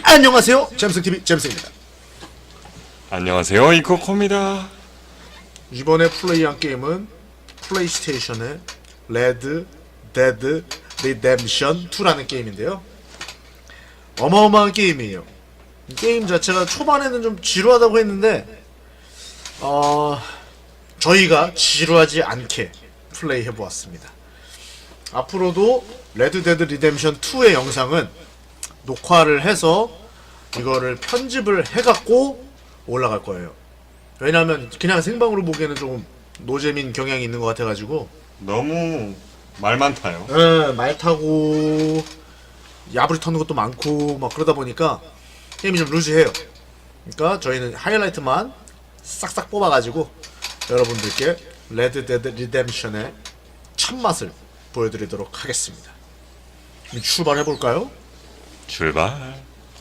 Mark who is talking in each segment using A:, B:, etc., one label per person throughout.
A: 안녕하세요, 잼스TV 잼스입니다.
B: 안녕하세요, 이코코입니다.
A: 이번에 플레이한 게임은 플레이스테이션의 레드 데드 리뎀션 2라는 게임인데요. 어마어마한 게임이에요. 이 게임 자체가 초반에는 좀 지루하다고 했는데 저희가 지루하지 않게 플레이해보았습니다. 앞으로도 레드 데드 리뎀션 2의 영상은 녹화를 해서 이거를 편집을 해갖고 올라갈 거예요. 왜냐하면 그냥 생방으로 보기에는 조금 노재민 경향이 있는 것 같아가지고
B: 너무 말 많다요.
A: 말 타고 야부리 터는 것도 많고 막 그러다 보니까 게임이 좀 루즈해요. 그러니까 저희는 하이라이트만 싹싹 뽑아가지고 여러분들께 레드 데드 리뎀션의 참맛을 보여드리도록 하겠습니다. 그럼 출발해볼까요?
B: 출발.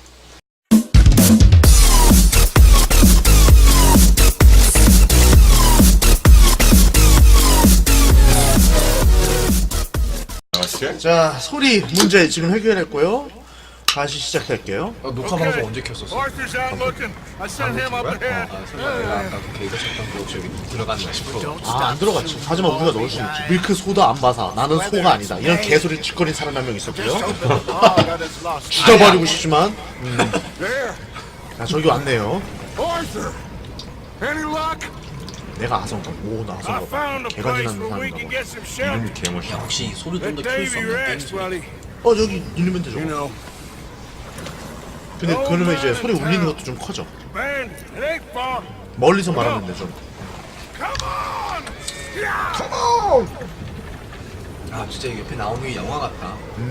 A: 자, 소리 문제 지금 해결했고요. 다시 시작할게요.
C: 녹화 방송 언제 켰었어?
D: Arthur's out looking. I sent him up ahead.
C: 설마 내가 아까 그 개그 쳤던 거 저기 들어갔나 싶어.
A: 아, 안 들어갔지. 하지만 우리가 넣을 수 있지. 밀크 소다 안 봐서 나는 소가 아니다. 이런 개소리 짓거린 사람 한 명 있었고요.
D: Oh, that is lost.
A: 죽여버리고 싶지만
D: There,
A: 야, 저기 왔네요.
D: Arthur. Any luck?
A: 내가 아성가. 오, 나
D: I
A: 아성가.
D: found a
A: 개가
D: place
A: 지나는
D: where we
A: 사람인가
D: can
A: 봐.
D: get some shelter.
B: 이름이 개멋있어.
C: 혹시 소리 좀
D: Let
C: 더 키울 수
D: Davy
C: 없는
D: rest,
C: 게임?
D: buddy.
A: 저기 누르면 되죠.
D: You know,
A: 근데 그러면 이제 소리 울리는 것도 좀 커져.
D: man, it ain't far.
A: 멀리서 말하면 되죠.
D: Come on! Yeah!
C: 아 진짜 이게 옆에 나오는 게 영화 같다.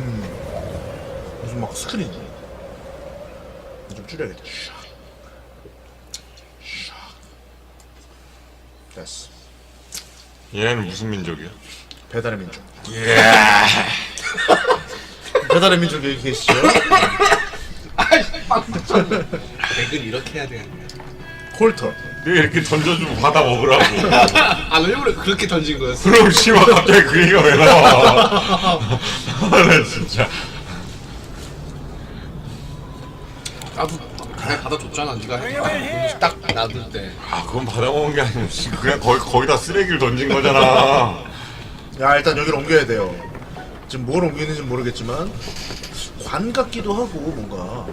A: 무슨 막 스크린. 좀 줄여야겠다. 됐어.
B: 얘는 무슨 민족이야?
A: 배달의 민족.
B: 예.
A: 배달의 민족 여기 계시죠?
C: 백은 이렇게 해야 되는데.
A: 콜터.
B: 내가 이렇게 던져주고 받아 먹으라고.
C: 아 일부러 그렇게 던진 거였어?
B: 그럼 씨발 갑자기 그 얘기가 왜 나와? 나 진짜.
C: 나도 그냥 받아줬잖아. 네가 딱 놔둘 때.
B: 아 그건 받아 먹은 게 아니고 그냥 거기다 쓰레기를 던진 거잖아.
A: 야, 일단 여기를 옮겨야 돼요. 지금 뭘 옮기는지 모르겠지만 관 같기도 하고 뭔가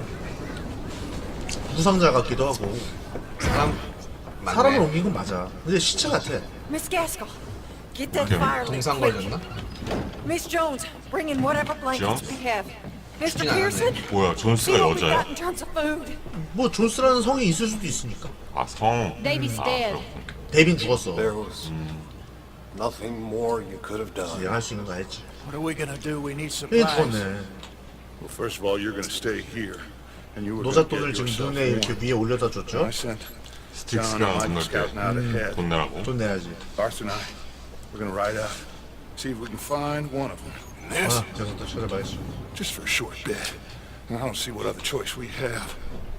A: 부상자 같기도 하고
C: 사람 맞네.
A: 사람을 옮긴 건 맞아. 근데 시체 같아.
E: Miss Gaskell, get that
B: Okay.
E: fire lit
C: 동상
E: quick.
C: 걸렸나?
E: Miss Jones, bring in whatever blankets
B: Jones?
E: we have. Mr.
C: 죽진 않았네.
E: Pearson,
B: 뭐야
E: see
B: 존스가
E: what we
B: 여자야?
E: got in terms of food.
A: 뭐 존스라는 성이 있을 수도 있으니까.
B: 아 성.
E: Davy's dead.
B: 그렇군.
A: 데빈 죽었어.
F: There was nothing more you could have done.
A: 얘가 할 수 있는 거 했지.
D: What are we gonna do? We need
A: 얘
D: supplies.
A: 죽었네.
D: Well, first of all, you're gonna stay here, and you were gonna
A: 노잣돈을
D: get
A: 지금
D: yourself
A: 눈에 이렇게
D: warm.
A: 위에 올려다 줬죠.
D: I sent John
B: 스틱스가
D: and Mike
B: 건널
D: scouting out ahead.
B: 때돈 내라고.
A: 돈 내야지.
D: Arthur and I, we're gonna ride out, see if we can find one of them. And this,
A: 아, 제가 또 찾아봐야지.
D: just for a short bit. I don't see what other choice we have.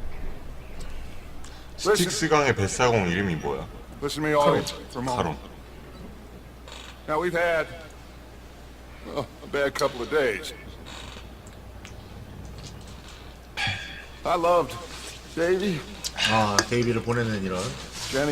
B: 스틱스강의 뱃사공 이름이 뭐야?
D: Listen to me all for a moment.
B: 카론.
D: Now we've had a bad couple of days. I loved Davy,
A: 아, 데이비를 보내는 이런.
D: Jenny,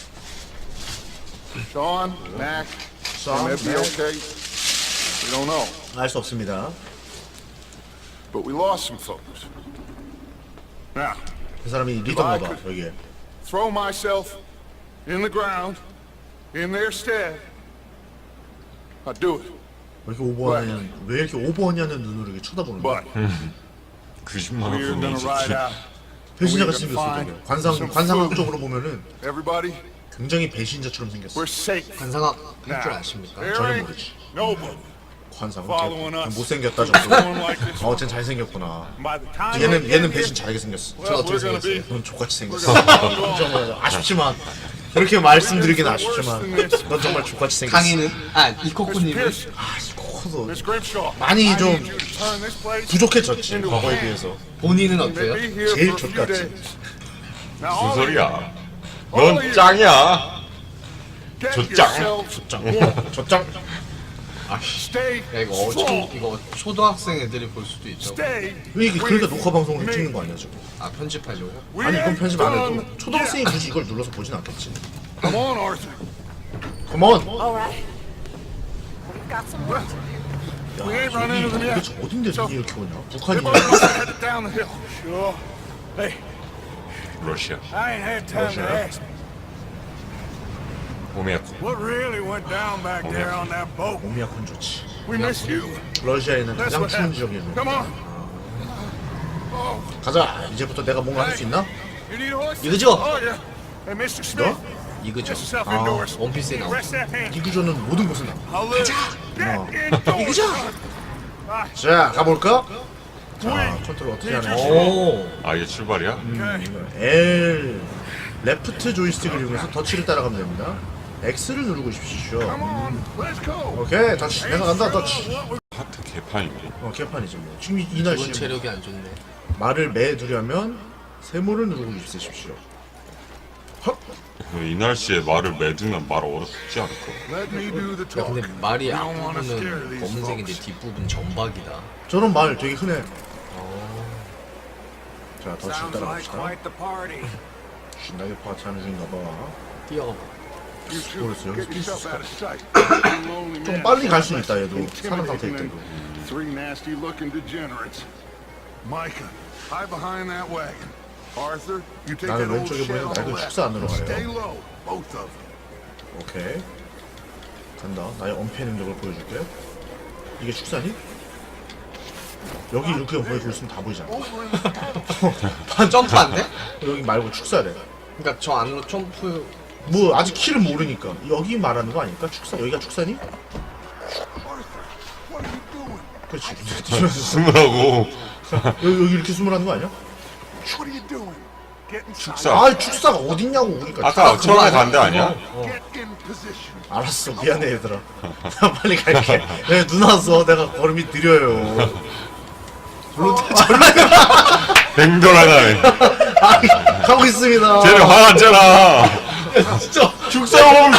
D: Sean, Mac.
A: Sean,
D: They may be
A: Mac.
D: okay. We don't know.
A: 알 수 없습니다.
D: But we lost some folks. Now,
A: 그 사람이 리더인가 봐, 여기에.
D: throw myself in the ground in their stead. I'd do it.
A: 왜 이렇게 오버하냐는 눈으로 이렇게 쳐다보는 거야?
D: But
B: 그 10만 원
D: we're
B: 돈이
D: gonna ride
B: 진짜.
D: out.
A: 배신자같이
D: We're
A: 생겼어,
D: gonna
A: 되게.
D: find
A: 관상학적으로 보면은
D: Everybody,
A: 굉장히 배신자처럼 생겼어.
D: we're safe.
C: 관상학 할 줄
D: Now,
C: 아십니까?
D: there
A: 전혀
D: ain't
A: 모르지.
D: nobody
A: 관상학.
D: following us.
A: 못생겼다
D: going
A: 정도.
D: like this.
A: 쟨 잘생겼구나.
D: By the time we
A: 얘는
D: get
A: 얘는
D: here,
A: 배신 잘하게 생겼어.
D: well, we're gonna be
A: 넌 족같이
D: we're
A: 생겼어.
D: gonna be long
A: 정말 아쉽지만 그렇게 말씀드리긴 아쉽지만 넌 정말 족같이 생겼어.
C: 강의는 이코코님은
D: Pierce,
A: 커도
D: Miss Grimshaw.
A: 많이
D: I
A: 좀
D: need you to turn this place
A: 부족해졌지
D: into a
A: 과거에
D: camp.
A: 비해서.
C: 본인은
D: They
C: 어때요?
D: be here
A: 제일
D: for a few
A: 족같지.
D: days. Now,
B: 무슨
D: all of you,
B: 소리야?
D: all of
B: 넌
D: you,
B: 짱이야.
D: get
B: 저 짱.
D: yourselves
A: 장
D: warm.
A: 저장
D: Stay
C: 야 이거
D: strong.
C: 이거 초등학생 애들이 볼 수도 있죠.
D: Stay.
A: 왜 이게 그러니까
D: with
A: 녹화 방송을
D: me.
A: 찍는 거 아니야 지금?
C: 아 편집하려고?
D: We
A: 아니 이건
D: ain't
A: 편집 안
D: done
A: 해도 초등학생이
D: yet.
A: 굳이 이걸 눌러서 보진 않겠지.
D: Come on, Arthur.
A: 컴온.
E: All right. We've got some work to do.
D: We ain't run into them
A: 도대체
D: yet.
A: 어딘데
D: So,
A: 눈이 이렇게 오냐?
D: They
A: 북한이냐?
D: both must have headed down the hill. Sure. Hey,
B: 러시아.
D: I ain't had time to
A: Russia.
D: ask.
B: 호미야코.
D: What really went down back there on that boat?
A: 오미야콘 좋지.
D: We missed you.
A: 러시아에 있는
D: That's
A: 가장
D: what
A: 추운
D: happened.
A: 지역이네.
D: Come on.
A: 가자. 이제부터 내가 뭔가 할 수 있나?
D: You need a horse?
C: 이거죠?
D: Oh, yeah. Hey, Mr. Smith.
C: 이거죠.
D: Get yourself
A: 아,
D: indoors.
C: 원피스에 나오죠.
D: Rest that hand.
A: 이구조는 모든 곳에 나.
D: I'll live. Get indoors.
A: 자, 가볼까? 자, 컨트롤 어떻게 하는지.
C: 오.
B: 아 이게 출발이야?
A: L 레프트 조이스틱을 이용해서 더치를 따라가면 됩니다. X를 누르고 싶으시죠.
D: Come on. Let's go.
A: 오케이, 더치. 내가 간다, 더치.
B: 하트 개판인데.
A: 개판이지 뭐. 지금 이
C: 기본
A: 날씨
C: 체력이 안 좋네.
A: 말을 매두려면 세모를 누르고 있으십시오. 헉!
B: 이 날씨에 말을 매두면 말 얼어 죽지 않을까?
D: Let me do the
C: 야
D: talk.
C: 근데 말이
D: We don't wanna scare
C: 앞부분은
D: these
C: 검은색인데
D: folks.
C: 뒷부분 점박이다.
A: 저런 말 되게 흔해. 자, 더치 따라갑시다. 신나게 파티하는 중인가 봐.
C: 뛰어가.
D: You two,
A: 모르겠어요.
D: get yourself out of sight. Lonely
A: 좀
D: man.
A: 빨리 갈 수 있다, 얘도. 사는 상태일
D: Intimidating
A: 때도.
D: them. Three nasty-looking degenerates. Micah, hide behind that wagon. Arthur, you take
A: 나는
D: that old
A: 왼쪽에
D: shed
A: 보이는
D: on the
A: 낡은
D: left.
A: 축사 안으로 가요.
D: Stay low, both of them.
A: 오케이. 간다. 나의 엄폐 능력을 보여줄게. 이게 축사니? 여기 이렇게 보여주고 있으면 다 보이잖아.
C: 점프 안 돼?
A: 여기 말고 축사래.
C: 그러니까 저 안으로 점프.
A: 뭐 아직 키를 모르니까 여기 말하는 거 아닐까? 축사 여기가 축사니?
D: What are you doing?
A: 그렇지.
B: 숨으라고.
A: 여기 이렇게 숨으라는 거 아니야?
D: What are you doing? Get inside.
B: 축사.
A: 아 축사가 어딨냐고 우리가.
B: 아까 처음에 간데 아니야?
D: Get in position.
A: 알았어 미안해 얘들아. 나 빨리 갈게. 내가 눈 와서 내가 걸음이 느려요.
B: 뱅돌하다네.
A: 가고 있습니다.
B: 쟤는 화났잖아.
A: 진짜
B: 죽사범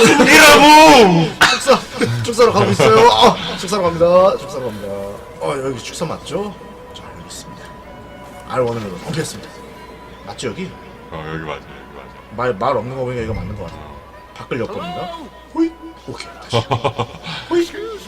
B: 죽이라고.
A: 축사로 가고 있어요. 축사로 갑니다. 축사로 갑니다. 여기 축사 맞죠? 자 여기 있습니다. R1으로 검색했습니다. 맞죠 여기?
B: 여기 맞아. 여기 맞아.
A: 말 없는 거 보니까 이거 맞는 거 같아. 밖을 엿봅니다. 호이. 오케이 다시. 호이.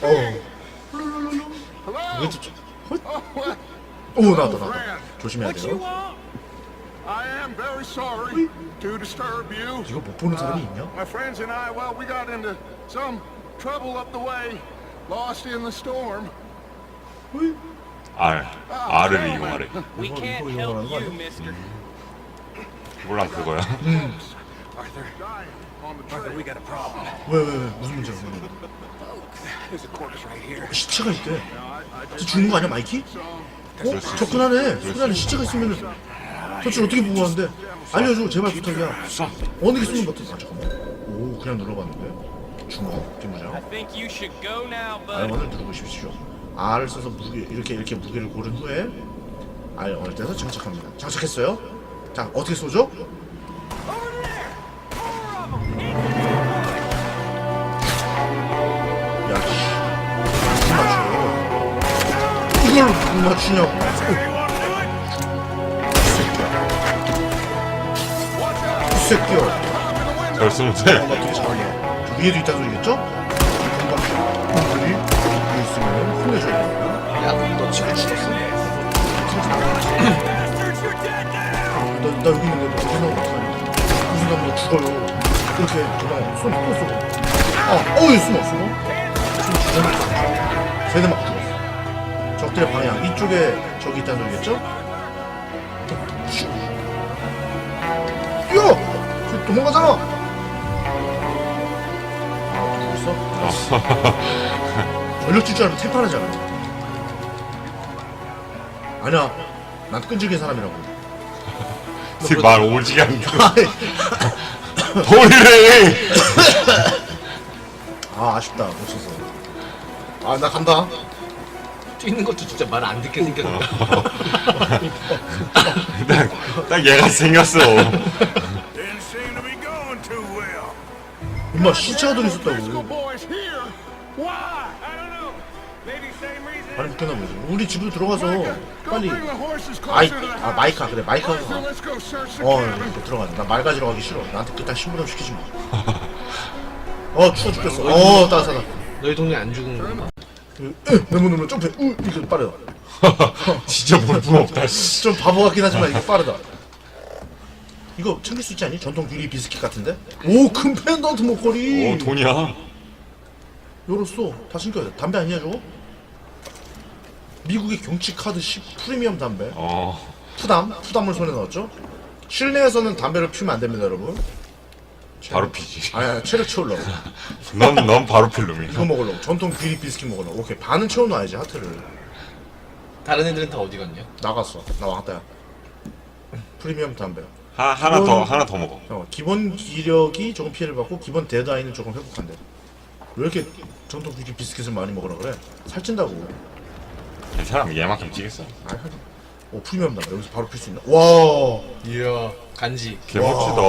A: 이것도 좀. 호이. 오 나왔다. 조심해야 돼요.
D: I am very sorry to disturb you.
A: 이거 못 보는 사람이 있냐?
D: My friends and I, well, we got into some trouble up the way, lost in the storm.
A: 호이.
B: R을 이용하래.
G: We
A: 이거
G: can't
A: 이용하는
G: help
A: 거
G: you,
A: 아니야?
G: mister.
B: 몰라 그거야.
D: Dying on the trail.
G: We got a problem.
A: 왜 무슨 문제야?
G: There's a corpse right here.
A: 시체가 있대. 저 죽는 거 아니야 마이키?
B: 그럴 수 있어.
A: 접근하네. 손안에 시체가 있으면은 도대체 어떻게 보고 하는데? 알려줘 제발 부탁이야. 어느 게 숨은 것 같아? 잠깐만. 오 그냥 눌러봤는데. 주먹 뒷무장.
G: I think you should go now, bud.
A: R1을 누르고 싶으시오. R을 써서 무게 이렇게 무게를 고른 후에 R1을 떼서 장착합니다. 장착했어요? 자 어떻게 쏘죠? 야 씨. 이걸 못 맞추냐고. 이 새끼야.
B: 잘 쓰면 돼.
A: 나 되게 잘하네. 저 위에도 있다는 소리겠죠? 여기 위에 있으면 혼내줘야 됩니다.
C: 야너 지금 죽었어?
A: 나 여기 있는데 너 생각 못하니? 무슨 너 죽어요. 이렇게 그냥 손또 쏘고. 어이 숨어. 숨 주저앉아. 세대 막 죽었어. 적들의 방향 이쪽에 저기 있다는 소리겠죠? 슉. 뛰어! 저 도망가잖아. 죽었어? 전력 줄 줄 알면 태파하잖아. 아니야. 난 끈질긴 사람이라고.
B: 말 오지게 안 돼.
A: 아이,
B: 버리래.
A: 아쉽다 못 쳐서. 나 간다.
C: 뛰는 것도 진짜 말 안 듣게 생겼다.
B: 딱 얘가 생겼어.
D: Didn't seem to be going too well.
A: 임마 시체가
D: Driscoll
A: 들어있었다고.
D: boys here. Why? I don't know.
A: 발이 묶였나 보지. 우리 집으로 들어가서
D: Go
A: 빨리.
D: bring the horses closer to the house.
A: 마이카 그래 마이카가.
D: Arthur, let's go search the cabin.
A: 이렇게 들어가자. 나 말 가지러 가기 싫어. 나한테 그딴 신부름 시키지 마. 추워 죽겠어. 따뜻하다.
C: 너희 동네 안 죽은 건가?
A: 내문 누르면 점프해. 이거 빠르다.
B: 진짜 볼품없다. 씨.
A: 좀 바보 같긴 하지만 이거 빠르다. 이거 챙길 수 있지 않니? 전통 유리 비스킷 같은데? 큰 펜던트 목걸이.
B: 돈이야.
A: 열었어. 다 챙겨야 돼. 담배 아니야 저거? 미국의 경치 카드 10 프리미엄 담배. 푸담을 손에 넣었죠? 실내에서는 담배를 피우면 안 됩니다, 여러분.
B: 바로 피지.
A: 아니, 체력 채우려고.
B: 넌 바로 필 놈이야.
A: 이거 먹으려고. 전통 귀리 비스킷 먹으려고. 오케이, 반은 채워놔야지, 하트를.
C: 다른 애들은 다 어디 갔냐?
A: 나갔어. 나 왔다, 야. 프리미엄 담배.
B: 하나 더 먹어.
A: 기본 기력이 조금 피해를 받고, 기본 데드아이는 조금 회복한대. 왜 이렇게 전통 귀리 비스킷을 많이 먹으라 그래? 살찐다고.
B: 괜찮아. 얘만큼 찌겠어.
A: 프리미엄 담배. 여기서 바로 필 수 있나? 와.
C: 이야 간지.
B: 개멋지다.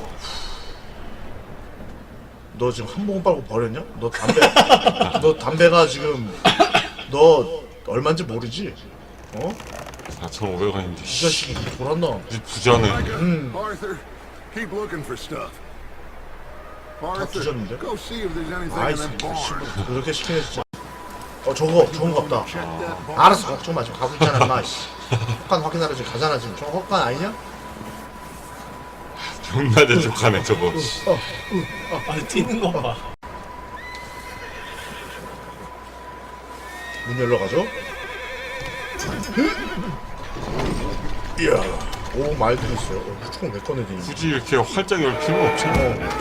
A: 너 지금 한 모금 빨고 버렸냐? 너 담배가 지금 너 얼마인지 모르지?
B: 4,500원인데.
A: 이 자식이 돌았나?
B: 부자네.
D: Arthur, keep looking for stuff. Arthur,
A: 뒤졌는데?
D: go see if there's anything
A: 아이
D: in that barn.
A: 그렇게 시키네 진짜. 저거 좋은 거 없다.
D: Check that barn.
A: 알았어, 걱정 마. 지금 가고 있잖아, 임마. 헛간 확인하러 지금 가잖아 지금. 저거 헛간 아니냐?
B: 존나 대적하네 저거.
C: 뛰는 거 봐.
A: 문 열러 가죠? 이야, 말 들었어요. 무조건 내 꺼내지.
B: 굳이 이렇게 활짝 열 필요는 없잖아.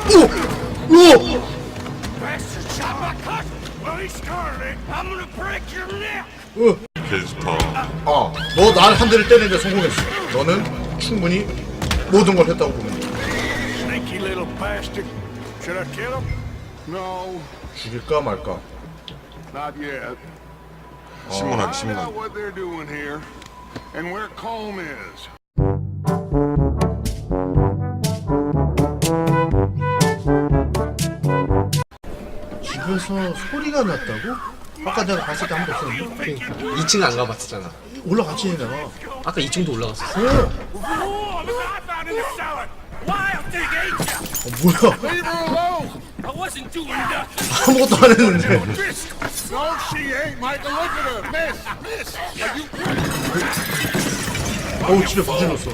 B: 개 좋다.
A: 너 날 한 대를 때리는데 성공했어. 너는 충분히 모든 걸 했다고 보면 돼.
D: Sneaky little bastard. Should I kill him? No,
A: 죽일까 말까?
D: not yet.
B: 신문하기
D: Find out
B: 신문.
D: what they're doing here and where Colm is.
A: 집에서 소리가 났다고? 아까 내가 봤을 때 한 번 없었는데?
C: 2층 안 가봤었잖아.
A: 올라갔지 내가.
C: 아까 2층도 올라갔었어.
A: 뭐야?
D: Leave her alone!
A: 아무것도 안 했는데.
D: No, she ain't, Michael. Look at her. Miss, are you...
A: 집에 부질렀어.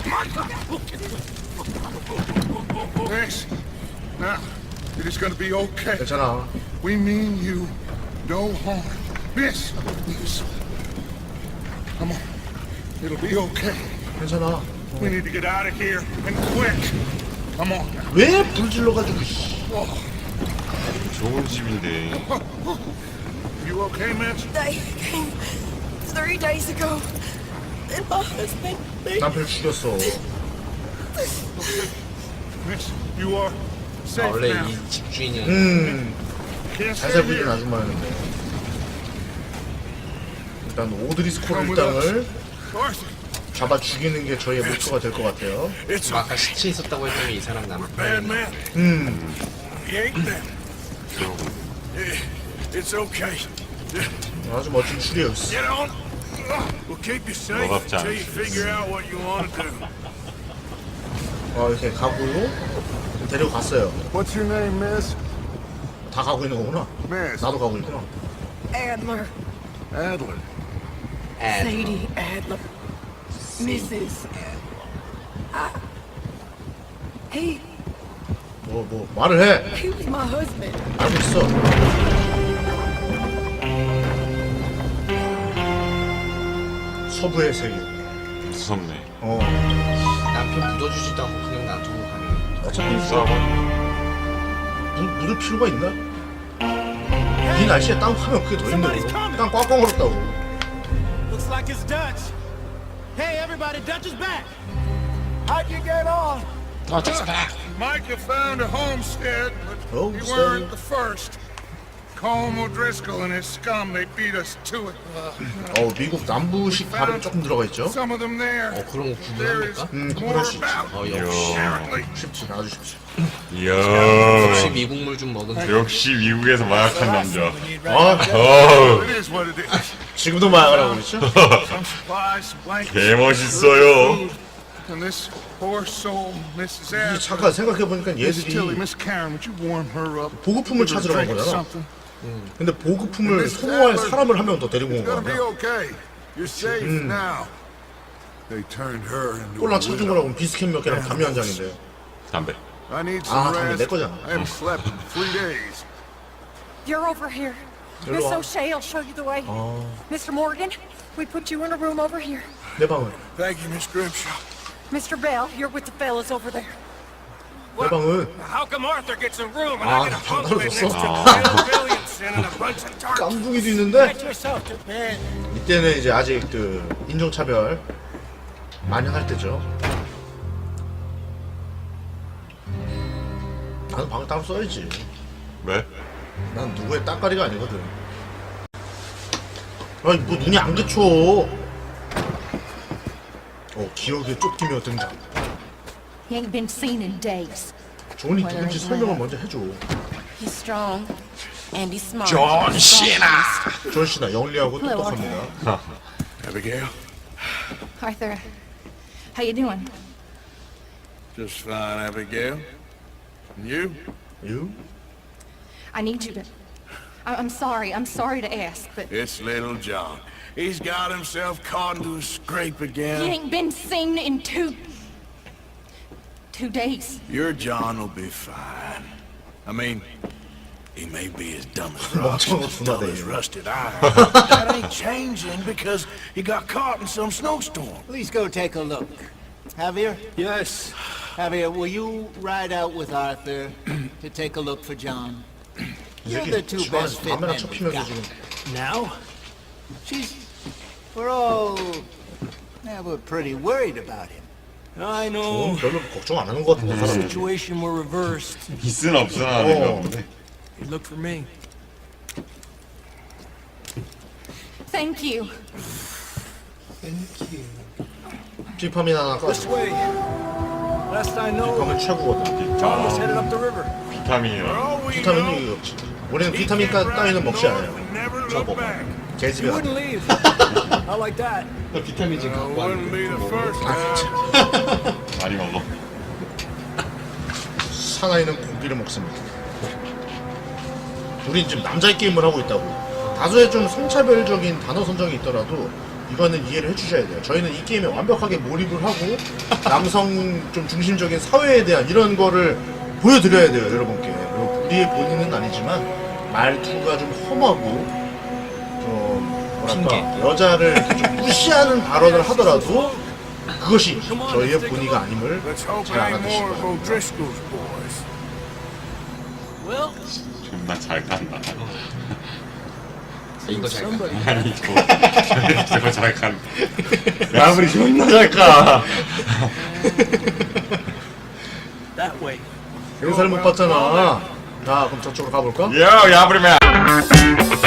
D: Miss, now, it is gonna be okay.
A: 괜찮아.
D: We mean you no harm. Miss. Come on. It'll be okay.
A: 괜찮아.
D: We need to get out of here and quick. Come on.
A: 왜 불질러가지고, 씨.
B: 좋은 집인데.
D: You okay, Miss?
E: They came 3 days ago. And my husband,
A: 남편 죽였어.
D: Miss, you are safe
C: 원래
D: now.
C: 이 집주인이
D: Can't
A: 잘
D: stay
A: 살고 있는
D: here.
A: 아줌마였는데. 일단 오드리 스콜 일당을
D: Arthur,
A: 잡아 죽이는 게 저희의 목표가 될 것 같아요.
D: it's
C: 아까 시체 있었다고 했더니 이 사람
D: bad
C: 남편.
D: man. He ain't dead. It's okay.
A: 아주 멋진 추리였어.
D: Get on. We'll keep you safe
B: 너답지
D: until you
B: 않지.
D: figure out what you want to do.
A: 이렇게 가고 데리고 갔어요.
D: What's your name, Miss?
A: 다 가고 있는 거구나.
D: Miss
A: 나도 가고 있구나.
E: Adler,
D: Adler.
E: Sadie Adler, Mrs. He
A: 말을 해.
E: he was my husband.
A: 알고 있어. 서부의 세계.
B: 무섭네.
C: 남편 묻어주지도 않고 그냥 놔두고 가네.
A: 어차피
B: 싸워.
A: 묻을 필요가 있나? 이 날씨에 땅 파면 그게 더 힘들어. 땅 꽝꽝 얼었다고.
H: Looks like it's Dutch. Hey, everybody, Dutch is back.
D: How'd you get on? Micah found a homestead, but you
A: Homestead.
D: weren't the first. Colm O'Driscoll and his scum, they beat us to it.
A: 미국 남부식 발음이 조금 들어가 있죠.
D: Some of them there.
C: 그런 거
D: There is
C: 구분합니까?
D: more
A: 그럴 수 있지.
D: about
C: 역시.
D: apparently.
A: 쉽지, 아주 쉽지.
B: 이야.
C: 역시 미국물 좀 먹은
B: 역시 미국에서 마약한 남자.
A: 아,
D: It is what it is.
A: 지금도 마약을 하고 있죠?
D: Some supplies, some blankets,
B: 개 멋있어요.
D: and this poor soul, Mrs.
A: 이
D: Adams.
A: 잠깐 생각해보니까
D: Miss Tilly,
A: 얘들이
D: Miss Karen, would you warm her up?
A: 보급품을
D: Give her a
A: 찾으러 간
D: drink or
A: 거잖아.
D: something.
A: 근데 보급품을 소모할 사람을 한 명 더 데리고 온
D: It's
A: 거
D: gonna be
A: 아니야?
D: okay. You're safe now. They turned her into a
A: 꼴랑 찾은
D: widow.
A: 거라고 비스킷 몇 개랑 담요 한 장인데요.
B: 담배.
D: I need
A: 아,
D: some
A: 담배 내
D: rest.
A: 거잖아.
D: I haven't slept in 3 days.
E: You're over here. Miss O'Shea will show you the way. Mr. Morgan, we put you in a room over here.
A: 내 방은
D: Thank you, Miss Grimshaw.
E: Mr. Bell, you're with the fellas over there.
A: 내 방은
G: How come Arthur gets a room and
A: 아,
G: I get a
A: 방
G: bunk bed
A: 떨어졌어.
G: next to Bill Williamson and a bunch of tarts?
A: 깐둥이도 있는데
H: Get yourself to bed.
A: 이때는 이제 아직 그 인종차별 만연할 때죠. 나는 방을 따로 써야지.
B: 왜?
A: 난 누구의 따까리가 아니거든. 아니 뭐 눈이 안 그쳐. 기억에 쫓기며 등장.
E: He ain't been seen in days.
A: 존이 누군지 설명을 먼저 해줘.
E: He's strong and he's smart.
B: 존 시나.
A: 존 씨나 영리하고 똑똑합니다.
D: Abigail?
E: Arthur, how you doing?
D: Just fine, Abigail. And you?
A: You?
E: I need you to. I'm sorry. I'm sorry to ask, but
D: It's little John. He's got himself caught into a scrape
E: he
D: again.
E: ain't been seen in 2 days.
D: Your John will be fine. I mean, he may be as dumb as rocks,
A: 멍청한
D: as dull as
A: 분하네.
D: rusted iron. That ain't changing because he got caught in some snowstorm.
H: Please go take a look. Javier?
D: Yes.
H: Javier, will you ride out with Arthur to take a look for John? You're the two
A: 집안에서
H: best fit
A: 담배나
H: men we've
A: 쳐피면서
H: got.
A: 지금
H: Now? We're all... Yeah, we're pretty worried about him. I know.
A: 별로 걱정 안 하는 것 같은데
H: The
A: 사람들이.
H: situation were reversed.
B: 있으나 없으나 하는 거 보네.
H: Look for me.
E: Thank you.
A: 비타민 하나 까줘.
H: way. Last I know,
A: 비타민 최고거든.
H: John was headed up the river.
B: 비타민이라.
A: 비타민이 이거 없지. 우리는 비타민 따위는 먹지 않아요. 저 먹어. 개집에
H: You
A: 가.
H: wouldn't leave. I like that.
C: 비타민 좀 갖고
D: Wouldn't be the first time.
B: 많이 먹어.
A: 사나이는 고기를 먹습니다. 우린 지금 남자의 게임을 하고 있다고. 다소의 좀 성차별적인 단어 선정이 있더라도 이거는 이해를 해주셔야 돼요. 저희는 이 게임에 완벽하게 몰입을 하고 남성 좀 중심적인 사회에 대한 이런 거를 보여드려야 돼요, 여러분께. 우리의 본인은 아니지만 말투가 좀 험하고 뭐랄까 여자를 좀 무시하는 발언을 하더라도 그것이 저희의 본의가 아님을
D: Let's hope
A: 잘
D: it ain't more
A: 알아두시기
D: of
A: 바랍니다.
D: O'Driscoll's boys.
H: Well,
B: 존나 잘 간다.
C: 이거 잘 가.
B: 아니 저거 잘 간다. 마무리 존나 잘 가.
H: that way.
A: 인사를 못 받잖아. 자, 그럼 저쪽으로 가볼까?
B: 요 야브리맨.